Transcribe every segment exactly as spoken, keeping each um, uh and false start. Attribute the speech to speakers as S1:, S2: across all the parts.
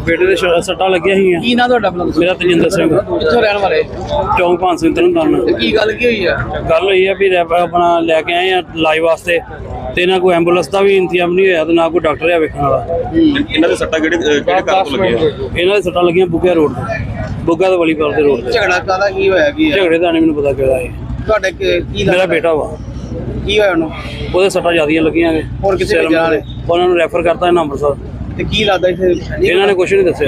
S1: ਬੇਟੇ ਦੇ ਸੱਟਾਂ ਲੱਗੀਆਂ ਸੀਗੀਆਂ।
S2: ਕੀ ਨਾਂ ਤੁਹਾਡਾ ਆਪਣਾ?
S1: ਮੇਰਾ ਤਜਿੰਦਰ ਸਿੰਘ।
S2: ਕਿੱਥੋਂ ਰਹਿਣ ਵਾਲੇ?
S1: ਚੌਂਕ ਪੰਜ ਸਿੰਘ ਤਰਨਤਾਰਨ।
S2: ਕੀ ਗੱਲ ਕੀ ਹੋਈ ਆ?
S1: ਗੱਲ ਹੋਈ ਆ ਵੀ ਰੈਪ ਆਪਣਾ ਲੈ ਕੇ ਆਏ ਆ ਇਲਾਜ ਵਾਸਤੇ, ਤੇ ਨਾ ਕੋਈ ਐਂਬੂਲੈਂਸ ਦਾ ਵੀ ਇੰਤਜ਼ਾਮ ਨਹੀਂ ਹੋਇਆ ਤੇ ਨਾ ਕੋਈ ਡਾਕਟਰ ਆ ਵੇਖਣ ਵਾਲਾ।
S3: ਇਹਨਾਂ ਦੇ ਸੱਟਾਂ ਕਿਹੜੇ ਕਿਹੜੇ ਘਰ ਤੋਂ ਲੱਗੀਆਂ?
S1: ਇਹਨਾਂ ਦੇ ਸੱਟਾਂ ਲੱਗੀਆਂ ਬੁੱਗਾ ਰੋਡ ਤੇ, ਬੁੱਗਾ ਤੇ ਵਲੀਪਾਲ ਦੇ ਰੋਡ ਤੇ।
S2: ਝਗੜਾ ਕਾਹਦਾ ਕੀ ਹੋਇਆ? ਕੀ ਹੈ
S1: ਝਗੜੇ ਦਾ ਨਹੀਂ ਮੈਨੂੰ ਪਤਾ ਕਿਹੜਾ ਹੈ।
S2: ਤੁਹਾਡੇ ਕੀ ਕੀ
S1: ਮੇਰਾ
S2: ਲੱਗਦਾ?
S1: ਬੇਟਾ ਵਾ।
S2: ਕੀ ਹੋਇਆ ਉਹਨੂੰ?
S1: ਉਹਦੇ ਸੱਟਾਂ ਜ਼ਿਆਦੀਆਂ ਲੱਗੀਆਂ ਨੇ।
S2: ਹੋਰ ਕਿੱਥੇ
S1: ਸਿਰ
S2: ਭੇਜਿਆ ਨੇ?
S1: ਉਹਨਾਂ ਨੂੰ ਰੈਫਰ ਕਰਤਾ ਇਹਨਾਂ ਅੰਮ੍ਰਿਤਸਰ।
S2: ਤੇ ਕੀ ਲੱਗਦਾ ਇੱਥੇ?
S1: ਇਹਨਾਂ ਨੇ ਕੁਝ ਨਹੀਂ ਦੱਸਿਆ।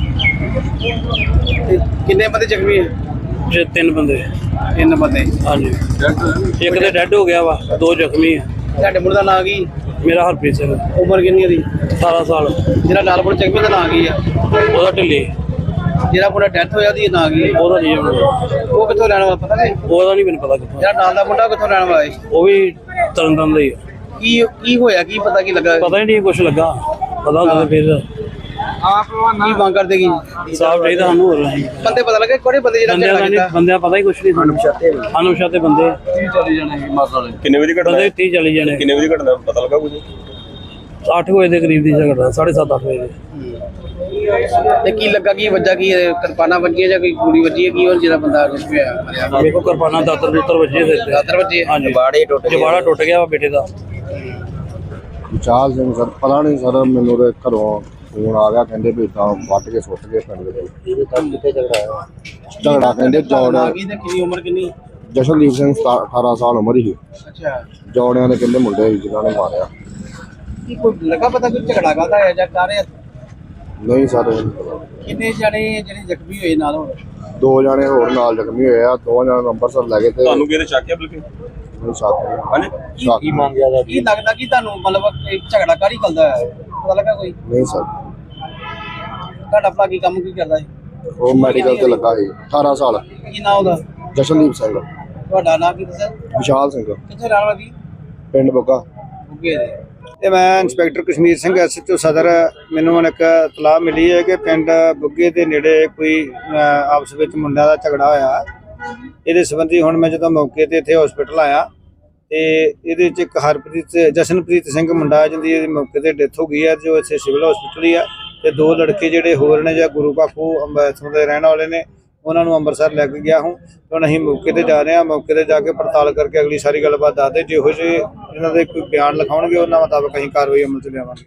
S2: ਤੇ ਕਿੰਨੇ ਬੰਦੇ ਜ਼ਖਮੀ ਹੈ?
S1: ਜੇ ਤਿੰਨ ਬੰਦੇ।
S2: ਤਿੰਨ ਬੰਦੇ।
S1: ਹਾਂਜੀ, ਇੱਕ ਤੇ ਡੈੱਡ ਹੋ ਗਿਆ ਵਾ, ਦੋ ਜ਼ਖਮੀ ਆ।
S2: ਤੁਹਾਡੇ ਮੁੰਡੇ ਦਾ ਨਾਂ ਕੀ?
S1: ਮੇਰਾ ਹਰਪ੍ਰੀਤ ਸਿੰਘ,
S2: ਉਮਰ ਕਿੰਨੀ ਹੈ ਦੀ?
S1: ਸਤਾਰਾਂ ਸਾਲ।
S2: ਜਿਹੜਾ ਲਾਲਪੁਰ ਜ਼ਖਮੀ ਦਾ ਨਾਂ ਕੀ ਆ?
S1: ਉਹਦਾ ਢਿੱਲੇ।
S2: ਜਿਹੜਾ ਮੁੰਡਾ ਡੈਥ ਹੋਇਆ ਉਹਦੀ ਨਾਂ ਕੀ ਹੈ?
S1: ਉਹਦਾ ਨਹੀਂ
S2: ਉਹ ਕਿੱਥੋਂ ਰਹਿਣ ਵਾਲਾ ਪਤਾ ਨਹੀਂ?
S1: ਉਹਦਾ ਨਹੀਂ ਮੈਨੂੰ ਪਤਾ ਕਿੱਥੋਂ।
S2: ਜਿਹੜਾ ਨਾਲ ਦਾ ਮੁੰਡਾ ਉਹ ਕਿੱਥੋਂ ਰਹਿਣ ਵਾਲਾ ਹੈ?
S1: ਉਹ ਵੀ ਤਰਨਤਾਰਨ ਦਾ ਹੀ ਆ।
S2: ਕੀ ਕੀ ਹੋਇਆ? ਕੀ ਪਤਾ ਕੀ ਲੱਗਾ?
S1: ਪਤਾ ਹੀ ਨਹੀਂ ਕੁਝ ਲੱਗਾ। ਪਤਾ ਹੁੰਦਾ ਫਿਰ
S2: ਕੀ ਮੰਗ ਕਰਦੇ ਕੀ?
S1: ਸਾਫ ਚਾਹੀਦਾ ਸਾਨੂੰ। ਹੋਰ ਨਹੀਂ
S2: ਬੰਦੇ ਪਤਾ ਲੱਗੇ ਕਿਹੜੇ ਬੰਦੇ ਜਿਹੜਾ
S1: ਬੰਦਿਆਂ
S2: ਝਗੜਾ
S1: ਦਾ ਨਹੀਂ,
S2: ਕੀਤਾ?
S1: ਬੰਦਿਆਂ ਪਤਾ ਹੀ ਕੁਝ ਨਹੀਂ ਸਾਨੂੰ। ਅਨੁਸ਼ਾਤੇ ਬੰਦੇ
S2: ਚਲੇ ਜਾਣੇ ਮਾਰਨ ਵਾਲੇ।
S3: ਕਿੰਨੇ ਵਜੇ ਘਟਨਾ?
S1: ਬੰਦੇ ਤੀਹ ਚਲੀ ਜਾਣੇ।
S3: ਕਿੰਨੇ ਵਜੇ ਘਟਨਾ ਪਤਾ ਲੱਗਾ ਕੁਝ?
S1: ਅੱਠ ਵਜੇ ਦੇ ਕਰੀਬ ਦੀ ਝਗੜਾ, ਸਾਢੇ ਸੱਤ ਅੱਠ ਵਜੇ ਦੇ।
S2: ਤੇ ਕੀ ਲੱਗਾ? ਕੀ ਵੱਜਾ? ਕੀ ਕਿਰਪਾਨਾਂ ਵੱਜੀਆਂ ਜਾਂ ਕੋਈ ਗੋਲੀ ਵੱਜੀ ਹੈ? ਕੀ ਹੋਰ ਜਿਹੜਾ ਬੰਦਾ ਜ਼ਖਮੀ ਹੋਇਆ ਮਰਿਆ?
S1: ਵੇਖੋ ਕਿਰਪਾਨਾਂ ਦਾਤਰ ਦੂਤਰ ਵੱਜੇ ਸਿਰ ਤੇ।
S2: ਦਾਤਰ ਵੱਜੇ?
S1: ਹਾਂਜੀ,
S2: ਜਬਾੜੇ ਟੁੱਟ ਗਏ।
S1: ਜਬਾੜਾ ਟੁੱਟ ਗਿਆ ਵਾ ਬੇਟੇ ਦਾ।
S4: ਵਿਚਾਲ ਸਿੰਘ ਸਰ, ਪਤਾ ਨਹੀਂ ਸਰ, ਮੈਨੂੰ ਤੇ ਘਰੋਂ ਫੋਨ ਆ ਗਿਆ, ਕਹਿੰਦੇ ਵੀ ਤਾਂ ਵੱਟ ਕੇ ਸੁੱਟ ਗਏ ਪਿੰਡ ਦੇ।
S2: ਇਹਦੇ ਤਾਂ ਕਿੱਥੇ ਝਗੜਾ ਹੋਇਆ?
S4: ਝਗੜਾ ਕਹਿੰਦੇ ਜੋੜ।
S2: ਆ ਗਈ ਤੇ ਕਿੰਨੀ ਉਮਰ ਕਿੰਨੀ?
S4: ਜਸ਼ਨਦੀਪ ਸਿੰਘ ਅਠਾਰਾਂ ਸਾਲ ਉਮਰ ਹੀ।
S2: ਅੱਛਾ,
S4: ਜੋੜਿਆਂ ਦੇ ਕਹਿੰਦੇ ਮੁੰਡੇ ਸੀ ਜਿਨ੍ਹਾਂ ਨੇ ਮਾਰਿਆ।
S2: ਕੀ ਕੋਈ ਲੱਗਾ ਪਤਾ ਕੋਈ ਝਗੜਾ ਕਾਹਦਾ ਹੈ ਜਾਂ ਕਰ ਰਿਹਾ?
S4: ਨਹੀਂ ਸਰ,
S2: ਕਿੰਨੇ ਜਣੇ ਜਿਹੜੇ ਜ਼ਖਮੀ ਹੋਏ ਨਾਲ? ਹੋਰ
S4: ਦੋ ਜਾਣੇ ਹੋਰ ਨਾਲ ਜ਼ਖਮੀ ਹੋਏ ਆ। ਦੋ ਜਣੇ ਨੂੰ ਅੰਮ੍ਰਿਤਸਰ ਲੈ ਗਏ ਤੇ
S3: ਤੁਹਾਨੂੰ ਕਿਹਦੇ ਸ਼ੱਕ ਹੈ ਬਲਕਿ?
S4: ਮੈਨੂੰ ਸ਼ੱਕ ਹੈ।
S3: ਹਾਂਜੀ,
S4: ਸ਼ੱਕ
S2: ਕੀ ਮੰਗਿਆ? ਕੀ ਲੱਗਦਾ ਕਿ ਤੁਹਾਨੂੰ ਮਤਲਬ ਇਹ ਝਗੜਾ ਕਾਹਦੀ ਕਰਦਾ ਹੈ? ਪਤਾ ਲੱਗਾ ਕੋਈ?
S4: ਨਹੀਂ ਸਰ,
S2: ਤੁਹਾਡਾ ਭਰਾ ਕੀ ਕੰਮ ਕੀ ਕਰਦਾ ਹੈ?
S4: ਉਹ ਮੈਡੀਕਲ ਤੇ ਲੱਗਾ ਸੀ। ਅਠਾਰਾਂ ਸਾਲ।
S2: ਕੀ ਨਾਂ ਉਹਦਾ?
S4: ਜਸ਼ਨਦੀਪ ਸਿੰਘ।
S2: ਤੁਹਾਡਾ ਨਾਂ ਕੀ ਦੱਸਿਆ?
S4: ਵਿਸ਼ਾਲ ਸਿੰਘ,
S2: ਕਿੱਥੇ ਰਹਿਣ ਵਾਲਾ ਜੀ?
S4: ਪਿੰਡ ਬੁੱਗਾ।
S2: ਉੱਗੇ ਦੇ।
S5: ਤੇ ਮੈਂ inspector Kashmir Singh S H O Sadar. ਮੈਨੂੰ ਹੁਣ ਇੱਕ ਇਤਲਾਹ ਮਿਲੀ ਹੈ ਕਿ ਪਿੰਡ ਬੁੱਗੇ ਦੇ ਨੇੜੇ ਕੋਈ ਅਹ, ਆਪਸ ਵਿੱਚ ਮੁੰਡਿਆਂ ਦਾ ਝਗੜਾ ਹੋਇਆ। ਇਹਦੇ ਸੰਬੰਧੀ ਹੁਣ ਮੈਂ ਜਦੋਂ ਮੌਕੇ ਤੇ ਇੱਥੇ ਹਸਪੀਟਲ ਆਇਆ ਤੇ ਇਹਦੇ 'ਚ ਇੱਕ ਹਰਪ੍ਰੀਤ ਜਸ਼ਨਪ੍ਰੀਤ ਸਿੰਘ ਮੁੰਡਾ ਜਿਹਦੀ ਇਹਦੀ ਮੌਕੇ ਤੇ ਡੈਥ ਹੋ ਗਈ ਹੈ, ਜੋ ਇੱਥੇ ਸਿਵਲ ਹਸਪੀਟਲ ਹੀ ਆ। ਤੇ ਦੋ ਲੜਕੇ ਜਿਹੜੇ ਹੋਰ ਨੇ ਜਾਂ ਗੁਰੂ ਬਾਖੂ ਅੰਮ੍ਰਿਤਸਰ ਦੇ ਰਹਿਣ ਵਾਲੇ ਨੇ, ਉਹਨਾਂ ਨੂੰ ਅੰਮ੍ਰਿਤਸਰ ਲੈ ਕੇ ਗਿਆ ਹੂੰ। ਹੁਣ ਅਸੀਂ ਮੌਕੇ ਤੇ ਜਾ ਰਹੇ ਹਾਂ। ਮੌਕੇ ਤੇ ਜਾ ਕੇ ਪੜਤਾਲ ਕਰਕੇ ਅਗਲੀ ਸਾਰੀ ਗੱਲਬਾਤ ਦੱਸਦੇ। ਜਿਹੋ ਜਿਹੇ ਇਹਨਾਂ ਦੇ ਕੋਈ ਬਿਆਨ ਲਿਖਾਉਣਗੇ ਉਹਨਾਂ ਮੁਤਾਬਕ ਅਸੀਂ ਕਾਰਵਾਈ ਅਮਲ 'ਚ ਲਿਆਵਾਂਗੇ।